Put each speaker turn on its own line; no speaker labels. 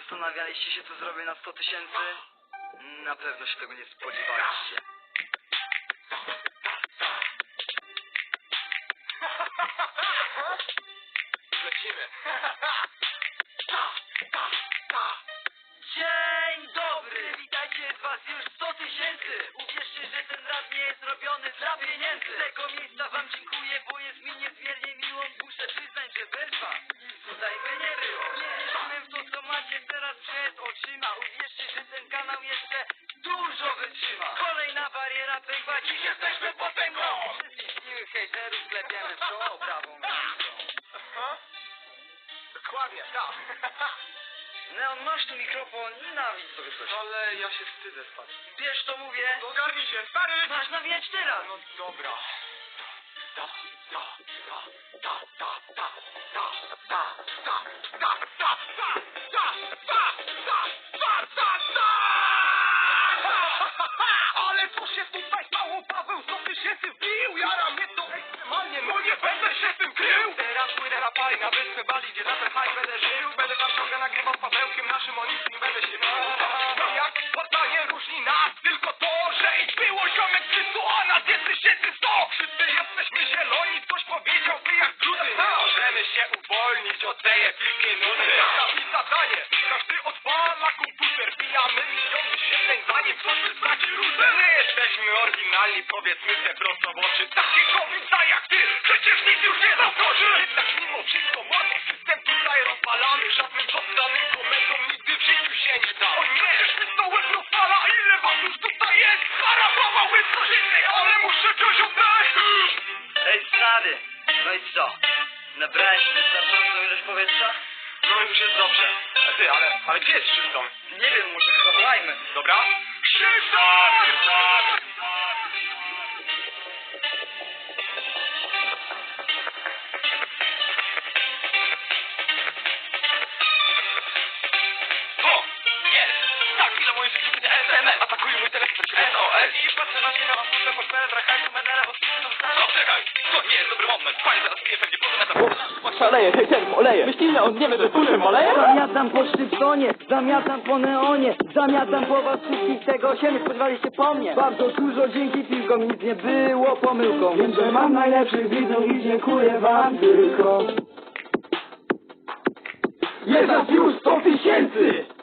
Zastanawialiście się, co zrobię na 100 000? Na pewno się tego nie spodziewaliście.
Lecimy.
Dzień dobry! Witajcie z was już 100 000! Uwierzcie, że ten rap nie jest robiony dla pieniędzy. Z tego miejsca wam dziękuję, bo jest mi niezmiernie miło. Muszę przyznać, że bez was tutaj by nie było. Nie wierzyłem w to, co macie teraz przed oczyma. Uwierzcie, że ten kanał jeszcze dużo wytrzyma. Kolejna bariera pękła, dziś jesteśmy potęgą. Wszystkich miłych hejterów klepiemy w czoło prawą ręką.
Aha. Dokładnie, tak.
Neon, masz tu mikrofon i nawiedź sobie coś.
Ale ja się wstydzę spać.
Wiesz, to mówię.
Ogarnij się, stary!
Masz nawijać teraz.
No dobra. Ale co się tutaj stało? Paweł 100 000 wbił. Jara mnie to ekstremalnie, no nie będę się z tym krył. Teraz płynę na pali na wyspę Bali, gdzie latę haj będę żył. Będę tam ciągle nagrywał z Pawełkiem naszym, o nic nie będę się mył. No jak Sparta nie różni nas, tylko to, że ich było ziomek 300, a nas jest 1100. Wszyscy jesteśmy zieloni, ktoś powiedział, wy jak druty. Możemy się uwolnić od tej epickiej nuty. I zadanie, każdy odwala komputer. Pijamy milion wyświetleń, zanim ktoś straci rutę. My jesteśmy oryginalni, powiedzmy te prosto w oczy. Takiego widza jak ty, przecież nic już nie zaskoczy. Jednak mimo wszystko młody system tutaj rozwalamy. Żadnym poddanym komentom nigdy w życiu się nie da. O nie, mi to łeb rozwala, ile was już tutaj jest? Harabowałby coś innej, ale muszę coś oddać.
Ej, stary! No i co? Nabrałeś wystarczającą ilość powietrza?
No już jest dobrze. Ty, ale gdzie jest Szyston?
Nie wiem, może zawołajmy.
Dobra? Szyston! O! Jest! Tak, chwilę moje życie będzie SMM. Atakują mój telefon SOS. I patrzę na niego, mam puszczę pod penetra, hajsu, menele, bo wszyscy są stary. No czekaj! To nie jest dobry moment. Fajnie, zaraz piję pewnie potem na
Szaleje, hejterów oleje. Myślimy, on nie wie, że tuszem oleje?
Zamiatam po Szczypsonie, zamiatam po Neonie, zamiatam po was wszystkich, tego się nie spodziewaliście po mnie. Bardzo dużo dzięki piłkom, nic nie było pomyłką. Wiem, że mam najlepszych widzów i dziękuję wam tylko. Jest nas już 100 000!